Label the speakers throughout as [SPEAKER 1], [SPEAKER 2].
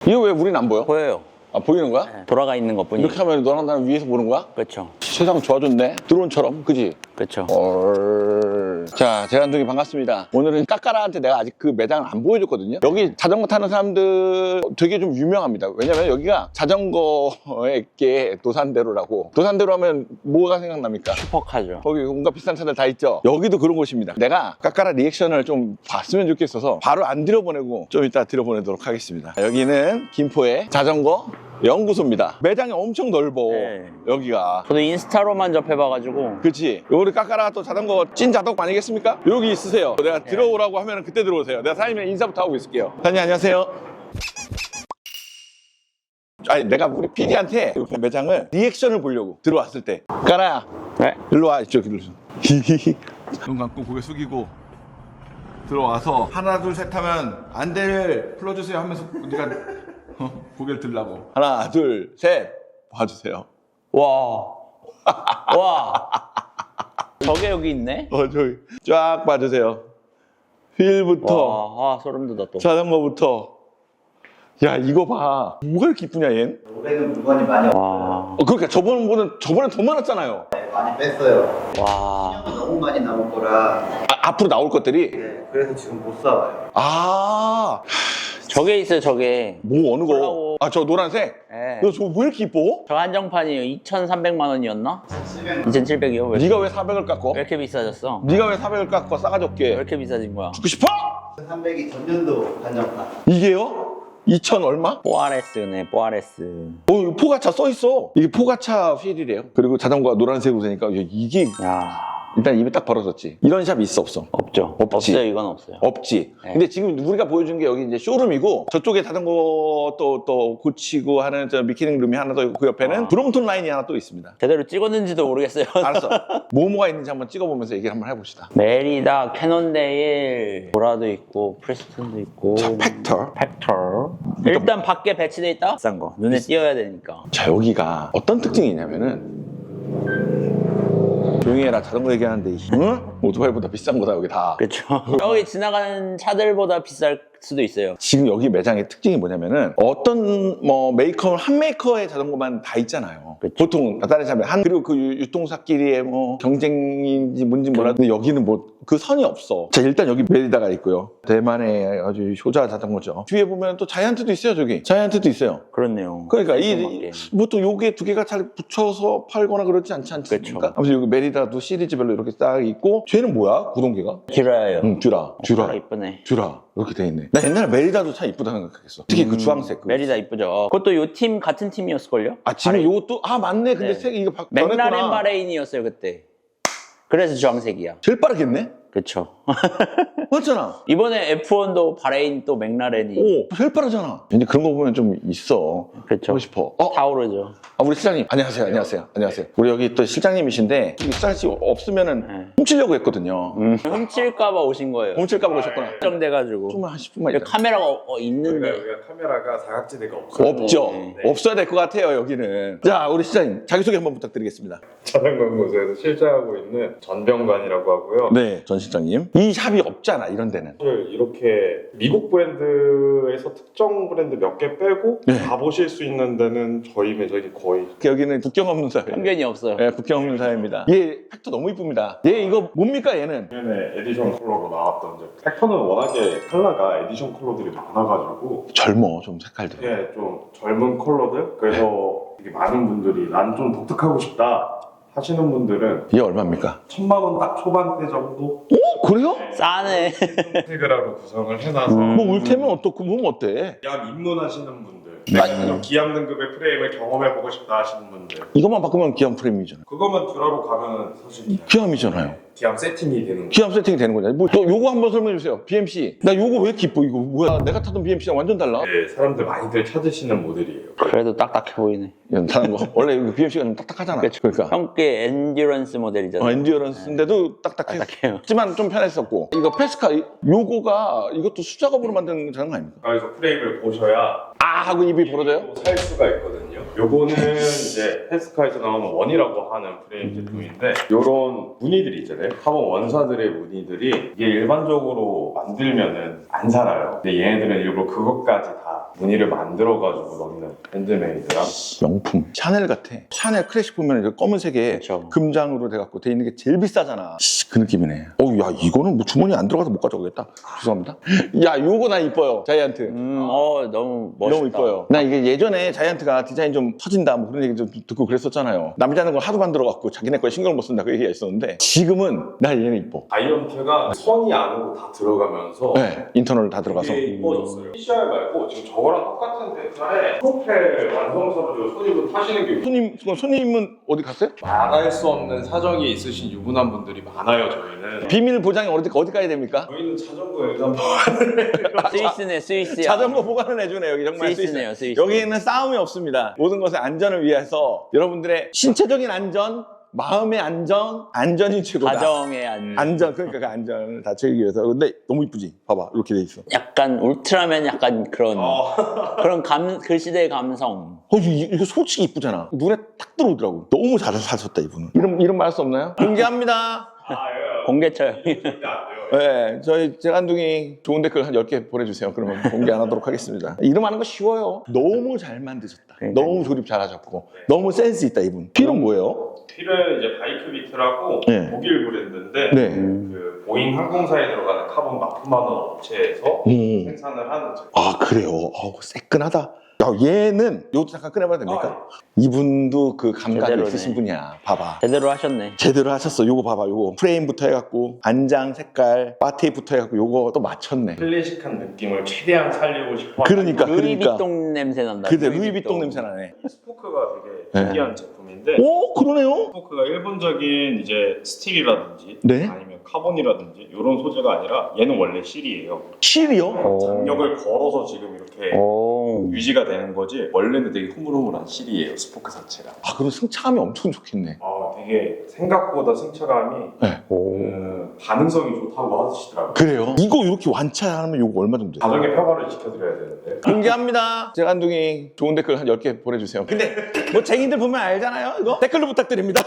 [SPEAKER 1] 이거 왜 우린 안 보여?
[SPEAKER 2] 보여요.
[SPEAKER 1] 아, 보이는 거야?
[SPEAKER 2] 네, 돌아가 있는 것 뿐이에요.
[SPEAKER 1] 이렇게 하면 너랑 나랑 위에서 보는 거야?
[SPEAKER 2] 그렇죠.
[SPEAKER 1] 세상 좋아졌네. 드론처럼, 그지?
[SPEAKER 2] 그렇죠.
[SPEAKER 1] 자, 재간둥이 반갑습니다. 오늘은 까까라한테 내가 아직 그 매장을 안 보여줬거든요. 여기 자전거 타는 사람들 되게 좀 유명합니다. 왜냐면 여기가 자전거의 게 도산대로라고. 도산대로 하면 뭐가 생각납니까?
[SPEAKER 2] 슈퍼카죠.
[SPEAKER 1] 거기 온갖 비싼 차들 다 있죠. 여기도 그런 곳입니다. 내가 까까라 리액션을 좀 봤으면 좋겠어서 바로 안 들여보내고 좀 이따 들여보내도록 하겠습니다. 여기는 김포의 자전거 연구소입니다. 매장이 엄청 넓어.
[SPEAKER 2] 네.
[SPEAKER 1] 여기가.
[SPEAKER 2] 저도 인스타로만 접해봐가지고.
[SPEAKER 1] 그치. 우리 까까라 또 자전거 찐 자덕 아니겠습니까? 여기 있으세요. 내가 들어오라고 하면 그때 들어오세요. 내가 사장님이랑 인사부터 하고 있을게요. 사장님 안녕하세요. 아니 내가 우리 PD한테 매장을 리액션을 보려고 들어왔을 때 까라야
[SPEAKER 2] 네.
[SPEAKER 1] 일로 와 이쪽으로 눈 감고 고개 숙이고 들어와서 하나 둘 셋 하면 안대를 풀어주세요 하면서 네가 고개를 들라고 하나 둘 셋 봐주세요.
[SPEAKER 2] 와. 와. 저게 여기 있네?
[SPEAKER 1] 저기 쫙 봐주세요. 휠부터
[SPEAKER 2] 와, 소름 돋아 또.
[SPEAKER 1] 자전거부터. 야 이거 봐. 뭐가 이렇게 이쁘냐 얜?
[SPEAKER 3] 올해는 물건이 많이 없어요.
[SPEAKER 2] 와.
[SPEAKER 1] 그러니까 저번에 더 많았잖아요.
[SPEAKER 3] 네, 많이 뺐어요.
[SPEAKER 2] 와.
[SPEAKER 3] 너무 많이 나올 거라.
[SPEAKER 1] 앞으로 나올 것들이.
[SPEAKER 3] 네, 그래서 지금 못 사와요.
[SPEAKER 1] 아,
[SPEAKER 2] 저게 있어요, 저게.
[SPEAKER 1] 뭐 어느 거?
[SPEAKER 2] 콜라보.
[SPEAKER 1] 아 저 노란색?
[SPEAKER 2] 네.
[SPEAKER 1] 너 저거 왜 이렇게 이뻐?
[SPEAKER 2] 저 한정판이에요. 2,300만 원이었나? 2700이요? 왜
[SPEAKER 1] 네가 왜 400을 깎어?
[SPEAKER 2] 이렇게 비싸졌어?
[SPEAKER 1] 네가 왜 400을 깎고 싸가지
[SPEAKER 2] 왜
[SPEAKER 1] 없게
[SPEAKER 2] 이렇게 비싸진 거야?
[SPEAKER 1] 죽고 싶어?
[SPEAKER 3] 300이 전년도 한정판.
[SPEAKER 1] 이게요? 2천 얼마?
[SPEAKER 2] 뽀아레스네, 뽀아레스.
[SPEAKER 1] 이거 포가차 써있어. 이게 포가차 휠이래요. 그리고 자전거가 노란색으로 되니까 이게
[SPEAKER 2] 야,
[SPEAKER 1] 일단 입에 딱 벌어졌지. 이런 샵이 있어 없어?
[SPEAKER 2] 없죠.
[SPEAKER 1] 없지.
[SPEAKER 2] 없어요, 이건 없어요.
[SPEAKER 1] 없지.
[SPEAKER 2] 네.
[SPEAKER 1] 근데 지금 우리가 보여준 게 여기 이제 쇼룸이고 저쪽에 자전거 또 고치고 하는 저 미키닝 룸이 하나 더 있고 그 옆에는 브롬톤 라인이 하나 또 있습니다.
[SPEAKER 2] 제대로 찍었는지도 모르겠어요.
[SPEAKER 1] 알았어. 뭐가 있는지 한번 찍어보면서 얘기를 한번 해봅시다.
[SPEAKER 2] 메리다, 캐논데일, 보라도 있고, 프리스톤도 있고.
[SPEAKER 1] 자, 팩터.
[SPEAKER 2] 팩터. 일단 밖에 배치돼 있다? 비싼 거. 눈에 띄어야 되니까.
[SPEAKER 1] 자, 여기가 어떤 특징이 있냐면은 조용히 해라. 자전거 얘기하는데 응? 오토바이보다 비싼 거다 여기 다.
[SPEAKER 2] 그렇죠. 여기 지나가는 차들보다 비쌀 수도 있어요.
[SPEAKER 1] 지금 여기 매장의 특징이 뭐냐면은 어떤 뭐 메이커 한 메이커의 자전거만 다 있잖아요.
[SPEAKER 2] 그쵸.
[SPEAKER 1] 보통 다른 샵에 한 그리고 그 유통사끼리의 뭐 경쟁인지 뭔지 몰라도 근데 여기는 뭐 그 선이 없어. 자 일단 여기 메리다가 있고요. 대만의 아주 효자 자전거죠. 뒤에 보면 또 자이언트도 있어요. 저기 자이언트도 있어요.
[SPEAKER 2] 그렇네요.
[SPEAKER 1] 그러니까
[SPEAKER 2] 맞게.
[SPEAKER 1] 보통 요게 두 개가 잘 붙여서 팔거나 그러지 않지 않습니까?
[SPEAKER 2] 그쵸.
[SPEAKER 1] 아무튼 여기 메리다도 시리즈별로 이렇게 딱 있고 쟤는 뭐야? 구동계가?
[SPEAKER 2] 듀라예요.
[SPEAKER 1] 응, 듀라.
[SPEAKER 2] 듀라 이쁘네.
[SPEAKER 1] 듀라 이렇게 돼 있네. 나 옛날에 메리다도 참 이쁘다 생각했어. 특히 그 주황색.
[SPEAKER 2] 메리다 이쁘죠. 그것도 요 팀 같은 팀이었을걸요?
[SPEAKER 1] 아 지금 요것도 맞네. 근데
[SPEAKER 2] 네.
[SPEAKER 1] 색이 이거
[SPEAKER 2] 맥라렌
[SPEAKER 1] 변했구나.
[SPEAKER 2] 바레인이었어요 그때. 그래서 주황색이야.
[SPEAKER 1] 제일 빠르겠네.
[SPEAKER 2] 그쵸.
[SPEAKER 1] 맞잖아.
[SPEAKER 2] 이번에 F1도 바레인 또 맥라렌이.
[SPEAKER 1] 오 제일 빠르잖아. 이제 그런 거 보면 좀 있어.
[SPEAKER 2] 그쵸.
[SPEAKER 1] 하고 싶어.
[SPEAKER 2] 타오르죠.
[SPEAKER 1] 우리 실장님 안녕하세요. 안녕하세요. 우리 여기 또 실장님이신데 실장 씨 없으면은
[SPEAKER 2] 네.
[SPEAKER 1] 훔치려고 했거든요.
[SPEAKER 2] 훔칠까봐 오신 거예요.
[SPEAKER 1] 훔칠까봐 오셨구나.
[SPEAKER 2] 걱정돼가지고.
[SPEAKER 1] 좀만 한 10분만
[SPEAKER 2] 여기
[SPEAKER 1] 있다.
[SPEAKER 2] 카메라가 있는데.
[SPEAKER 4] 여기가 카메라가 사각지대가 없어요.
[SPEAKER 1] 없죠.
[SPEAKER 2] 네.
[SPEAKER 1] 없어야 될 것 같아요 여기는. 자 우리 실장님 자기소개 한번 부탁드리겠습니다.
[SPEAKER 4] 자전거 연구소에서 실장하고 있는 전병관이라고 하고요.
[SPEAKER 1] 네, 전 실장님. 이 샵이 없잖아 이런 데는.
[SPEAKER 4] 사실 이렇게 미국 브랜드에서 특정 브랜드 몇 개 빼고
[SPEAKER 1] 네.
[SPEAKER 4] 가보실 수 있는 데는 저희 매장이 거의
[SPEAKER 1] 여기는 국경 없는 사회.
[SPEAKER 2] 편견이 없어요.
[SPEAKER 1] 네, 국경 없는 사회입니다. 얘 팩터 너무 이쁩니다. 얘 이거 뭡니까 얘는?
[SPEAKER 4] 작년에 에디션 컬러로 나왔던 제품. 팩터는 워낙에 컬러가 에디션 컬러들이 많아가지고
[SPEAKER 1] 젊어 좀 색깔도.
[SPEAKER 4] 이게 좀 젊은 컬러들 그래서 되게 많은 분들이 난 좀 독특하고 싶다 하시는 분들은
[SPEAKER 1] 얘 얼마입니까?
[SPEAKER 4] 1000만 원 딱 초반대 정도
[SPEAKER 1] 오 그래요?
[SPEAKER 2] 싸네.
[SPEAKER 4] 인테그라로 구성을 해놔서
[SPEAKER 1] 뭐 울테면 어떻고 뭐 어때?
[SPEAKER 4] 기암 입문하시는 분들
[SPEAKER 1] 네.
[SPEAKER 4] 아니면 기암 등급의 프레임을 경험해보고 싶다 하시는 분들
[SPEAKER 1] 이것만 바꾸면 기암 프레임이잖아.
[SPEAKER 4] 그것만 듀라로 가면 사실
[SPEAKER 1] 기암이잖아요.
[SPEAKER 4] 기암 세팅이 되는 거예요.
[SPEAKER 1] 기암 세팅이 되는 거잖아요. 또 요거 한번 설명해 주세요. BMC. 나 요거 왜 이렇게 이뻐? 이거 뭐야? 내가 타던 BMC랑 완전 달라.
[SPEAKER 4] 네, 사람들 많이들 찾으시는 모델이에요.
[SPEAKER 2] 그래도 딱딱해 보이네.
[SPEAKER 1] 다른 거 원래 이거 BMC가 좀 딱딱하잖아. 그러니까
[SPEAKER 2] 형께 엔듀런스 모델이잖아요.
[SPEAKER 1] 엔듀어런스인데도 딱딱해.
[SPEAKER 2] 딱딱해요.
[SPEAKER 1] 하지만 좀 편했었고 이거 페스카 요거가 이것도 수작업으로 만든 자전거 아닙니까?
[SPEAKER 4] 그래서 프레임을 보셔야
[SPEAKER 1] 하고 입이 벌어져요?
[SPEAKER 4] 살 수가 있거든요. 요거는 이제 페스카에서 나오는 원이라고 하는 프레임 제품인데 요런 무늬들이 있잖아요. 카본 원사들의 무늬들이 이게 일반적으로 만들면은 안 살아요. 근데 얘네들은 일부러 그것까지 다 무늬를 만들어가지고 넣는 핸드메이드랑
[SPEAKER 1] 명품 샤넬 같아. 샤넬 클래식 보면 이제 검은색에
[SPEAKER 2] 그쵸.
[SPEAKER 1] 금장으로 돼갖고 돼 있는 게 제일 비싸잖아. 그 느낌이네. 어우, 야, 이거는 뭐 주머니 안 들어가서 못 가져오겠다. 죄송합니다. 야, 요거 나 이뻐요. 자이언트.
[SPEAKER 2] 너무 멋있다.
[SPEAKER 1] 너무 이뻐요. 나 이게 예전에 자이언트가 디자인 좀 터진다 뭐 그런 얘기 좀 듣고 그랬었잖아요. 남자는 걸 하도 만들어갖고 자기네 거에 신경을 못 쓴다 그 얘기가 있었는데 지금은 나 얘는 이뻐.
[SPEAKER 4] 자이언트가 선이 안으로 다 들어가면서
[SPEAKER 1] 네, 인터널 다 들어가서.
[SPEAKER 4] 되게 이뻐졌어요. PCR 말고 지금 저거랑 똑같은 색깔에 프로펠 완성서로 손님분 타시는 게
[SPEAKER 1] 손님은 어디 갔어요?
[SPEAKER 4] 말할 수 없는 사정이 있으신 유부남 분들이 많아요. 저희는
[SPEAKER 1] 비밀 보장이 어디 가야 됩니까?
[SPEAKER 4] 저희는 자전거 일단
[SPEAKER 2] 스위스네, 스위스야.
[SPEAKER 1] 자전거 보관을 해주네 여기 정말
[SPEAKER 2] 스위스네요, 스위스.
[SPEAKER 1] 여기에는 싸움이 없습니다. 모든 것의 안전을 위해서 여러분들의 신체적인 안전, 마음의 안전이 최고다.
[SPEAKER 2] 가정의
[SPEAKER 1] 안전 그러니까 그 안전을 다치기 위해서. 근데 너무 이쁘지? 봐봐 이렇게 돼 있어.
[SPEAKER 2] 약간 울트라맨 약간 그런 그 시대의 감성.
[SPEAKER 1] 이거 솔직히 이쁘잖아. 눈에 딱 들어오더라고. 너무 잘 사셨다 이분은. 이름 말할 수 없나요? 공개합니다.
[SPEAKER 2] 공개 처형.
[SPEAKER 1] 네, 저희 재간둥이 좋은 댓글 한 10개 보내주세요. 그러면 공개 안 하도록 하겠습니다. 이름 하는 거 쉬워요. 너무 잘 만드셨다.
[SPEAKER 2] 그러니까요.
[SPEAKER 1] 너무 조립 잘하셨고 너무 센스 있다 이분. 필은 뭐예요?
[SPEAKER 4] 휠은 이제 바이크 비트라고
[SPEAKER 1] 네.
[SPEAKER 4] 독일 브랜드인데
[SPEAKER 1] 네.
[SPEAKER 4] 그 보잉 항공사에 들어가는 카본 납품하는 업체에서 생산을 하는 제품.
[SPEAKER 1] 아 그래요? 새끈하다. 야, 얘는 요것도 잠깐 꺼내봐도 됩니까? 이분도 그 감각이
[SPEAKER 2] 제대로네.
[SPEAKER 1] 있으신 분이야. 봐봐.
[SPEAKER 2] 제대로 하셨네.
[SPEAKER 1] 제대로 하셨어. 요거 봐봐. 요거 프레임부터 해갖고 안장 색깔, 바테이프부터 해갖고 요거 또 맞췄네.
[SPEAKER 4] 클래식한 느낌을 최대한 살리고 싶어.
[SPEAKER 1] 그러니까.
[SPEAKER 2] 루이비통 냄새 난다.
[SPEAKER 1] 그래 루이비통 냄새 나네.
[SPEAKER 4] 스포크가 되게
[SPEAKER 1] 네.
[SPEAKER 4] 특이한 제품인데
[SPEAKER 1] 오 그러네요.
[SPEAKER 4] 스포크가 일본적인 이제 스틸이라든지
[SPEAKER 1] 네.
[SPEAKER 4] 아니면 카본이라든지 이런 소재가 아니라 얘는 원래 실이에요.
[SPEAKER 1] 실이요?
[SPEAKER 4] 장력을 걸어서 지금 이렇게 유지가 되는 거지 원래는 되게 흐물흐물한 실이에요. 스포크 자체가.
[SPEAKER 1] 아 그럼 승차감이 엄청 좋겠네.
[SPEAKER 4] 되게 생각보다 승차감이
[SPEAKER 1] 네.
[SPEAKER 4] 반응성이 좋다고 하시더라고요.
[SPEAKER 1] 그래요? 이거 이렇게 완차하면 요거 얼마 정도 돼요?
[SPEAKER 4] 가정의 평화를 지켜드려야 되는데.
[SPEAKER 1] 공개합니다. 재간둥이 좋은 댓글 한 10개 보내주세요. 근데 뭐 쟁이들 보면 알잖아요. 이거 댓글로 부탁드립니다.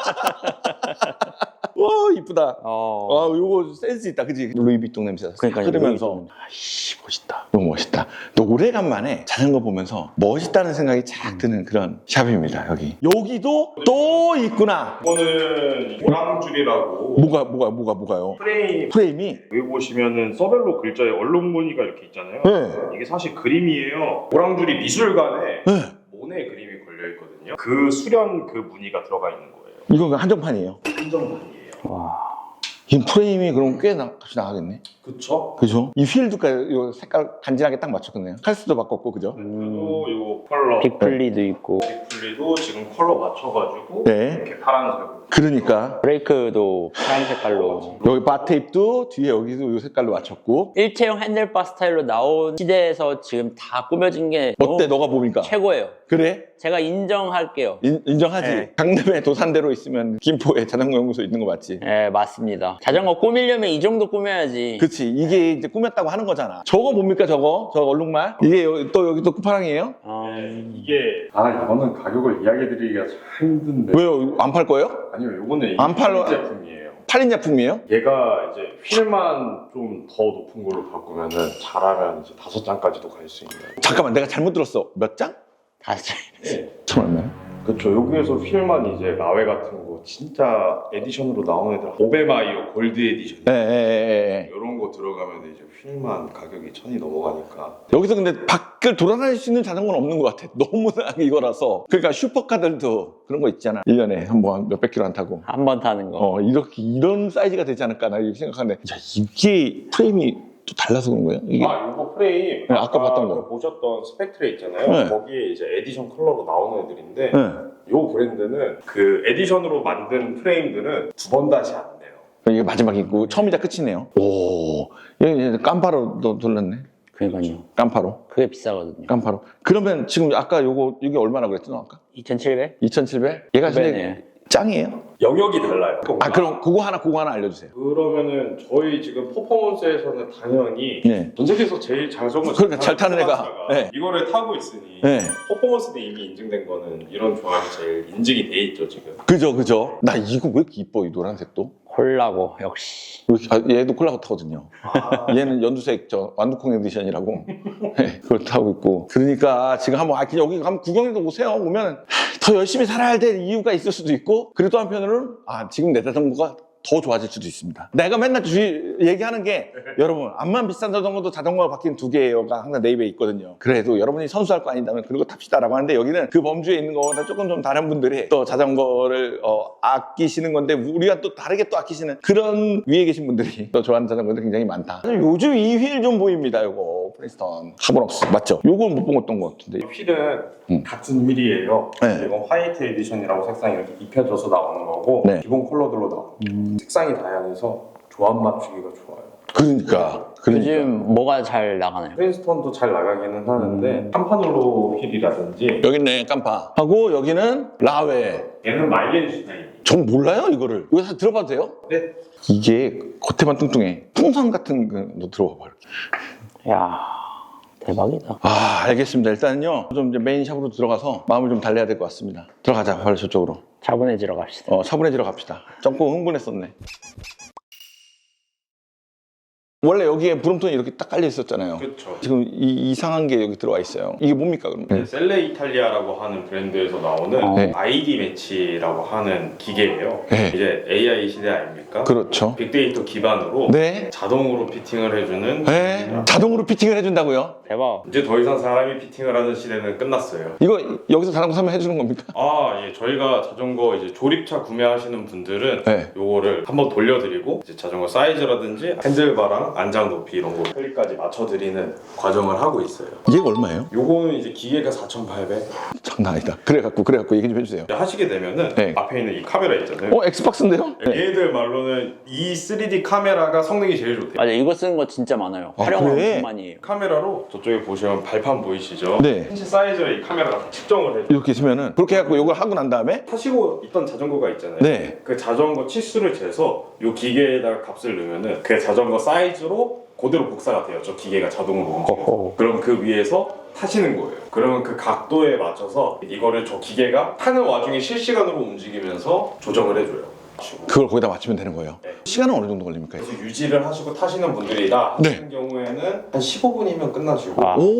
[SPEAKER 1] 와 이쁘다. 요거 센스 있다, 그지? 루이비통 냄새
[SPEAKER 2] 그러니까요,
[SPEAKER 1] 흐르면서
[SPEAKER 2] 루이비통.
[SPEAKER 1] 아이씨 멋있다. 너무 멋있다. 또 오래간만에 자전거 보면서 멋있다는 생각이 착 드는 그런 샵입니다. 여기도 또 있구나.
[SPEAKER 4] 이거는 오랑줄이라고
[SPEAKER 1] 뭐가요? 프레임이
[SPEAKER 4] 여기 보시면은 서벨로 글자에 얼룩 무늬가 이렇게 있잖아요.
[SPEAKER 1] 네.
[SPEAKER 4] 이게 사실 그림이에요. 오랑줄이 미술관에
[SPEAKER 1] 네.
[SPEAKER 4] 모네 그림이 걸려 있거든요. 그 수련 그 무늬가 들어가 있는 거예요.
[SPEAKER 1] 이건 한정판이에요.
[SPEAKER 4] 한정판이에요.
[SPEAKER 1] 이 프레임이 그럼 꽤 값이 나가겠네.
[SPEAKER 4] 그쵸?
[SPEAKER 1] 그죠? 이 휠도까지 이 색깔 간지나게 딱 맞췄겠네요. 칼스도 바꿨고, 그죠?
[SPEAKER 4] 그리고 요 컬러
[SPEAKER 2] 빅플리도 있고
[SPEAKER 4] 빅플리도 지금 컬러 맞춰가지고
[SPEAKER 1] 네.
[SPEAKER 4] 이렇게 파란색으로.
[SPEAKER 1] 그러니까
[SPEAKER 2] 브레이크도 파란 색깔로.
[SPEAKER 1] 여기 바 테이프도 뒤에 여기도 이 색깔로 맞췄고.
[SPEAKER 2] 일체형 핸들바 스타일로 나온 시대에서 지금 다 꾸며진 게
[SPEAKER 1] 어때?
[SPEAKER 2] 너무
[SPEAKER 1] 너가 보니까?
[SPEAKER 2] 최고예요.
[SPEAKER 1] 그래?
[SPEAKER 2] 제가 인정할게요.
[SPEAKER 1] 인정하지?
[SPEAKER 2] 네.
[SPEAKER 1] 강남에 도산대로 있으면 김포에 자전거 연구소 있는 거 맞지?
[SPEAKER 2] 네, 맞습니다. 자전거 꾸미려면 이 정도 꾸며야지.
[SPEAKER 1] 그치. 이게 이제 꾸몄다고 하는 거잖아. 저거 뭡니까, 저거? 저거 얼룩말? 이게 여기 또 끝판왕이에요?
[SPEAKER 4] 이게 이거는 가격을 이야기해드리기가 참 힘든데.
[SPEAKER 1] 왜요? 안 팔 거예요?
[SPEAKER 4] 아니요, 요거는
[SPEAKER 1] 안 팔러-
[SPEAKER 4] 제품이에요.
[SPEAKER 1] 팔린 제품이에요?
[SPEAKER 4] 얘가 이제 휠만 좀 더 높은 걸로 바꾸면은 잘하면 이제 5장까지도 갈 수 있는.
[SPEAKER 1] 잠깐만, 내가 잘못 들었어. 몇 장?
[SPEAKER 2] 다시.
[SPEAKER 1] 천 얼마요?
[SPEAKER 4] 그렇죠. 여기에서 휠만 이제 마웨 같은 거 진짜 에디션으로 나오는 애들 오베마이어 골드 에디션
[SPEAKER 1] 예.
[SPEAKER 4] 이런 거 들어가면 이제 휠만 가격이 1000이 넘어가니까.
[SPEAKER 1] 여기서 근데 밖을 돌아다닐 수 있는 자전거는 없는 것 같아. 너무나 이거라서. 그러니까 슈퍼카들도 그런 거 있잖아. 1년에 한 몇백 킬로 안 타고.
[SPEAKER 2] 한 번 타는 거.
[SPEAKER 1] 이런 사이즈가 되지 않을까 나 이렇게 생각하는데. 야, 이게 프레임이 또 달라서 그런 거예요? 이게?
[SPEAKER 4] 요거 프레임
[SPEAKER 1] 네, 아까 봤던 거.
[SPEAKER 4] 보셨던 스펙트레 있잖아요.
[SPEAKER 1] 네.
[SPEAKER 4] 거기에 이제 에디션 컬러로 나오는 애들인데
[SPEAKER 1] 네.
[SPEAKER 4] 요 브랜드는 그 에디션으로 만든 프레임들은 2번 다시 안 돼요.
[SPEAKER 1] 이게 마지막이고 처음이자 끝이네요. 오, 얘 깜파로 돌렸네.
[SPEAKER 2] 그러니까요.
[SPEAKER 1] 깜파로.
[SPEAKER 2] 그게 비싸거든요.
[SPEAKER 1] 깜파로. 그러면 지금 아까 이게 얼마나 그랬지 너 아까?
[SPEAKER 2] 2,700?
[SPEAKER 1] 2,700? 얘가 진짜
[SPEAKER 2] 네.
[SPEAKER 1] 짱이에요?
[SPEAKER 4] 영역이 달라요.
[SPEAKER 1] 그럼 그거 하나 알려주세요.
[SPEAKER 4] 그러면은 저희 지금 퍼포먼스에서는 당연히
[SPEAKER 1] 네.
[SPEAKER 4] 전 세계에서 제일 장점을
[SPEAKER 1] 그러니까 잘 타는 애가. 네.
[SPEAKER 4] 이거를 타고 있으니
[SPEAKER 1] 네.
[SPEAKER 4] 퍼포먼스도 이미 인증된 거는 이런 조합이 제일 인증이 돼 있죠 지금.
[SPEAKER 1] 그죠. 나 이거 왜 이렇게 이뻐, 이 노란색도?
[SPEAKER 2] 콜라고 역시.
[SPEAKER 1] 얘도 콜라고 타거든요. 얘는 연두색 완두콩 에디션이라고 네, 그걸 타고 있고. 그러니까 지금 한번 여기 한번 구경해도 오세요. 오면 더 열심히 살아야 될 이유가 있을 수도 있고, 그리고 또 한편으로는 지금 내 자전거가 더 좋아질 수도 있습니다. 내가 맨날 얘기하는 게 여러분 암만 비싼 자전거도 자전거가 바뀐 2개가 항상 내 입에 있거든요. 그래도 여러분이 선수할 거 아니다면 그리고 탑시다라고 하는데, 여기는 그 범주에 있는 거보다 조금 좀 다른 분들이 또 자전거를 아끼시는 건데, 우리가 또 다르게 또 아끼시는 그런 위에 계신 분들이 또 좋아하는 자전거들이 굉장히 많다. 요즘 이 휠 좀 보입니다. 요거 프리스턴 카본웍스 맞죠? 요걸 못 본 어떤 것 같은데.
[SPEAKER 4] 휠은 같은 휠이에요.
[SPEAKER 1] 네.
[SPEAKER 4] 이건 화이트 에디션이라고 색상이 이렇게 입혀져서 나오는 거고,
[SPEAKER 1] 네.
[SPEAKER 4] 기본 컬러들로 나옵니다. 색상이 다양해서 조합 맞추기가 좋아요.
[SPEAKER 1] 그러니까
[SPEAKER 2] 요즘 뭐가 잘 나가나요?
[SPEAKER 4] 프린스턴도 잘 나가기는 하는데 한판홀로 휠이라든지,
[SPEAKER 1] 여기 있네 깜파 하고, 여기는 라웨.
[SPEAKER 4] 얘는 마일리지 라인.
[SPEAKER 1] 전 몰라요 이거를. 이거 다 들어봐도 돼요?
[SPEAKER 4] 네.
[SPEAKER 1] 이게 겉에만 뚱뚱해. 풍선 같은 거 들어봐 봐.
[SPEAKER 2] 야 대박이다.
[SPEAKER 1] 알겠습니다. 일단은요 좀 이제 메인 샵으로 들어가서 마음을 좀 달래야 될 것 같습니다. 들어가자. 바로 저쪽으로.
[SPEAKER 2] 차분해지러 갑시다.
[SPEAKER 1] 차분해지러 갑시다. 점프 흥분했었네. 원래 여기에 브롬톤이 이렇게 딱 깔려 있었잖아요.
[SPEAKER 4] 그렇죠.
[SPEAKER 1] 지금 이상한 게 여기 들어와 있어요. 이게 뭡니까 그럼?
[SPEAKER 4] 셀레 이탈리아라고 하는 브랜드에서 나오는
[SPEAKER 1] 네.
[SPEAKER 4] ID 매치라고 하는 기계예요.
[SPEAKER 1] 네.
[SPEAKER 4] 이제 AI 시대 아닙니까?
[SPEAKER 1] 그렇죠.
[SPEAKER 4] 빅데이터 기반으로
[SPEAKER 1] 네.
[SPEAKER 4] 자동으로 피팅을 해주는
[SPEAKER 1] 네.
[SPEAKER 4] 기계입니다.
[SPEAKER 1] 자동으로 피팅을 해준다고요?
[SPEAKER 2] 대박.
[SPEAKER 4] 이제 더 이상 사람이 피팅을 하는 시대는 끝났어요.
[SPEAKER 1] 이거 여기서 자전거 사면 해주는 겁니까?
[SPEAKER 4] 예, 저희가 자전거 이제 조립차 구매하시는 분들은
[SPEAKER 1] 네.
[SPEAKER 4] 요거를 한번 돌려드리고 이제 자전거 사이즈라든지 핸들바랑 안장 높이 이런 거 클릭까지 맞춰드리는 과정을 하고 있어요.
[SPEAKER 1] 이게 얼마예요?
[SPEAKER 4] 요거는 이제 기계가 4,800.
[SPEAKER 1] 장난 아니다. 그래갖고 얘기 좀 해주세요.
[SPEAKER 4] 하시게 되면은
[SPEAKER 1] 네.
[SPEAKER 4] 앞에 있는 이 카메라 있잖아요.
[SPEAKER 1] 엑스박스인데요? 네.
[SPEAKER 4] 얘들 말로는 이 3D 카메라가 성능이 제일 좋대요.
[SPEAKER 2] 맞아, 이거 쓰는 거 진짜 많아요. 활용을
[SPEAKER 1] 그래?
[SPEAKER 2] 엄청 많이 해요.
[SPEAKER 4] 카메라로 저쪽에 보시면 발판 보이시죠?
[SPEAKER 1] 네.
[SPEAKER 4] 신체 사이즈를 이 카메라가 다 측정을 해요.
[SPEAKER 1] 이렇게 있으면은 그렇게 해갖고 이걸 하고 난 다음에
[SPEAKER 4] 타시고 있던 자전거가 있잖아요.
[SPEAKER 1] 네.
[SPEAKER 4] 그 자전거 치수를 재서 이 기계에다가 값을 넣으면은 그 자전거 사이즈로 그대로 복사가 돼요. 저 기계가 자동으로 움직여서. 그럼 그 위에서 타시는 거예요. 그러면 그 각도에 맞춰서 이거를 저 기계가 타는 와중에 실시간으로 움직이면서 조정을 해줘요.
[SPEAKER 1] 그걸 거기다 맞추면 되는 거예요.
[SPEAKER 4] 네.
[SPEAKER 1] 시간은 어느 정도 걸립니까?
[SPEAKER 4] 그래서 유지를 하시고 타시는 분들이다
[SPEAKER 1] 네.
[SPEAKER 4] 같은 경우에는 한 15분이면 끝나시고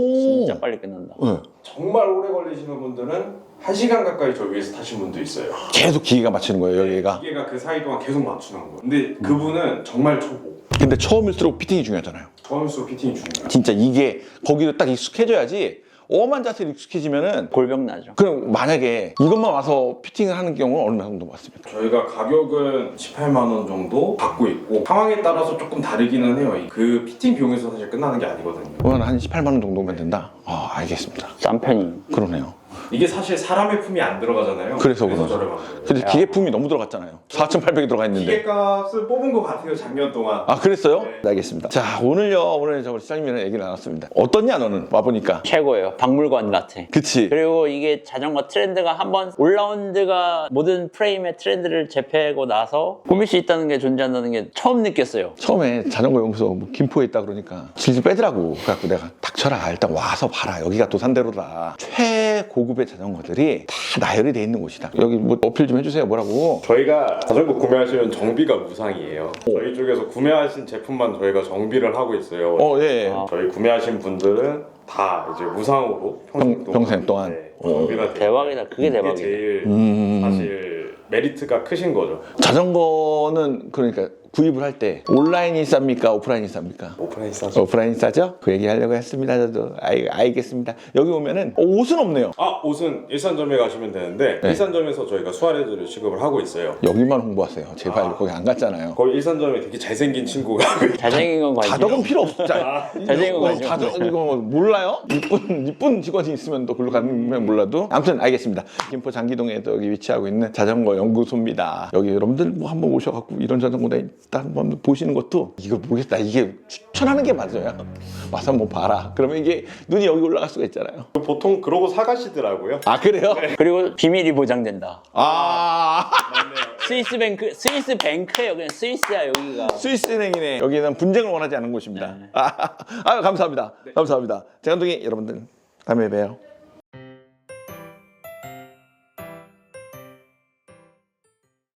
[SPEAKER 2] 진짜 빨리 끝난다.
[SPEAKER 1] 네.
[SPEAKER 4] 정말 오래 걸리시는 분들은 1시간 가까이 저 위에서 타신 분도 있어요.
[SPEAKER 1] 계속 기계가 맞추는 거예요, 여기가.
[SPEAKER 4] 기계가 그 사이 동안 계속 맞추는 거예요. 근데 그분은 정말 초보.
[SPEAKER 1] 근데 처음일수록 피팅이 중요하잖아요.
[SPEAKER 4] 처음일수록 피팅이 중요해요.
[SPEAKER 1] 진짜 이게 거기도 딱 익숙해져야지. 엄한 자세로 익숙해지면은
[SPEAKER 2] 골병 나죠.
[SPEAKER 1] 그럼 만약에 이것만 와서 피팅을 하는 경우는 얼마 정도 받습니까?
[SPEAKER 4] 저희가 가격은 18만 원 정도 받고 있고 상황에 따라서 조금 다르기는 해요. 그 피팅 비용에서 사실 끝나는 게 아니거든요.
[SPEAKER 1] 그건 한 18만 원 정도면 된다? 알겠습니다.
[SPEAKER 2] 싼 편이.
[SPEAKER 1] 그러네요.
[SPEAKER 4] 이게 사실 사람의 품이 안 들어가잖아요.
[SPEAKER 1] 그래서 그러죠.
[SPEAKER 4] 저렴한 거예요.
[SPEAKER 1] 근데 기계품이 너무 들어갔잖아요. 4,800이 들어가 있는데.
[SPEAKER 4] 기계값을 뽑은 것 같아요, 작년 동안.
[SPEAKER 1] 그랬어요?
[SPEAKER 4] 네.
[SPEAKER 1] 네, 알겠습니다. 자, 오늘 저 시장님이랑 얘기를 나눴습니다. 어떻냐, 너는? 와보니까.
[SPEAKER 2] 최고예요. 박물관 같아.
[SPEAKER 1] 그치?
[SPEAKER 2] 그리고 이게 자전거 트렌드가 한번 올라운드가 모든 프레임의 트렌드를 재패하고 나서 꾸밀 수 있다는 게 존재한다는 게 처음 느꼈어요.
[SPEAKER 1] 처음에 자전거 연구소 뭐 김포에 있다 그러니까 질질 빼더라고. 그래갖고 내가 닥쳐라. 일단 와서 봐라. 여기가 도산대로다. 최고급의 자전거들이 다 나열이 돼 있는 곳이다. 여기 뭐 어필 좀 해주세요. 뭐라고?
[SPEAKER 4] 저희가 자전거 구매하시면 정비가 무상이에요. 저희 쪽에서 구매하신 제품만 저희가 정비를 하고 있어요.
[SPEAKER 1] 예.
[SPEAKER 4] 저희 구매하신 분들은 다 이제 무상으로
[SPEAKER 1] 평생 동안.
[SPEAKER 4] 정비가 돼요.
[SPEAKER 2] 대박이다. 그게 대박이다.
[SPEAKER 4] 이게 제일 사실 메리트가 크신 거죠.
[SPEAKER 1] 자전거는 그러니까 구입을 할 때 온라인이 쌉니까? 오프라인이 쌉니까?
[SPEAKER 4] 오프라인 싸죠.
[SPEAKER 1] 오프라인이 싸죠? 그 얘기 하려고 했습니다. 저도 알겠습니다. 여기 오면은 옷은 없네요.
[SPEAKER 4] 옷은 일산점에 가시면 되는데
[SPEAKER 1] 네.
[SPEAKER 4] 일산점에서 저희가 수아레즈를 취급을 하고 있어요.
[SPEAKER 1] 여기만 홍보하세요. 제발 거기 안 갔잖아요.
[SPEAKER 4] 거기 일산점에 되게 잘생긴 친구가
[SPEAKER 2] 잘생긴 건 관심.
[SPEAKER 1] 가덕은 필요 없죠.
[SPEAKER 2] 잘생긴 건 관심.
[SPEAKER 1] 가덕 이거 몰라요? 이쁜 직원이 있으면 또 글로 가면 몰라도. 아무튼 알겠습니다. 김포 장기동에 또 여기 위치하고 있는 자전거 연구소입니다. 여기 여러분들 뭐 한번 오셔갖고 이런 자전거다 일단 한번 보시는 것도 이거 모르겠다. 이게 추천하는 게 맞아요. 와서 한번 봐라. 그러면 이게 눈이 여기 올라갈 수가 있잖아요.
[SPEAKER 4] 보통 그러고 사가시더라고요.
[SPEAKER 1] 그래요?
[SPEAKER 2] 그리고 비밀이 보장된다.
[SPEAKER 4] 맞네요.
[SPEAKER 2] 스위스 뱅크예요. 그냥 스위스야 여기가.
[SPEAKER 1] 스위스은행이네. 여기는 분쟁을 원하지 않는 곳입니다. 감사합니다. 감사합니다. 재간둥이 여러분들 다음에 봬요.